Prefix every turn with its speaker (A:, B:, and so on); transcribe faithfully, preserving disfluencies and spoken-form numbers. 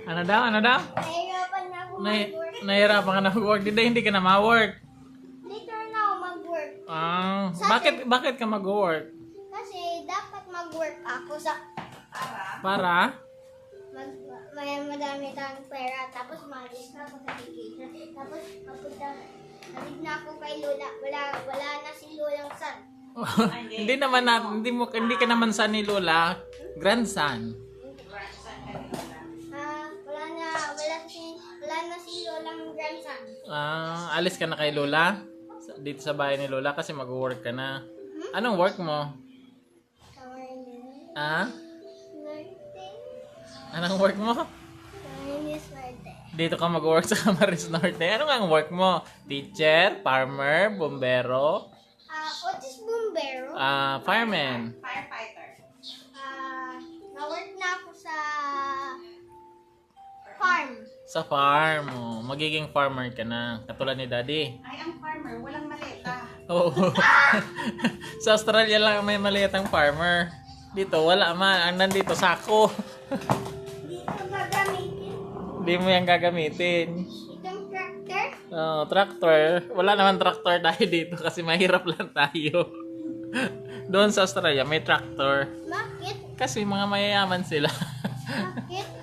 A: Ano daw? Ano daw?
B: Nahirapan na ako
A: Nay
B: mag-work.
A: nahirapan ka na mag-work. Hindi, hindi ka na ma-work.
B: Later na ako mag-work.
A: Ah, bakit bakit ka mag-work?
B: Kasi dapat mag-work ako sa
A: Para?
B: mag, may madami tayong pera. Tapos malis na ako sa vacation. Tapos mapunta, nalig na ako kay Lola. Wala, wala na si Lolang son.
A: hindi naman na, hindi mo hindi ka naman sa ni Lola, grandson.
B: Ah, wala na, wala si, wala na si Lolang grandson.
A: Ah, alis ka na kay Lola? Sa- Dito sa bahay ni Lola kasi mag-work ka na. Anong work mo?
B: Camarines
A: Ah?
B: Norte.
A: Anong work mo?
B: Camarines Norte.
A: Dito ka mag-work sa Camarines Norte. Ano nga ang work mo? Teacher, farmer, bombero,
B: Ah, what is bombero?
A: ah, fireman.
C: Firefighter.
B: Ah, na-work na ako sa farm.
A: Sa farm. Oh, magiging farmer ka na. Katulad ni Daddy.
C: Ay, ang farmer, walang maleta.
A: Oo. Sa Australia lang may maliit ang farmer. Dito, wala man. Ang nandito, sako.
B: Dito gagamitin.
A: Hindi mo yan gagamitin.
B: Itong tractor.
A: Oh, tractor. Wala naman tractor tayo dito kasi mahirap lang tayo. Doon sa Australia, may tractor.
B: Bakit?
A: Kasi mga mayayaman sila.
B: Bakit?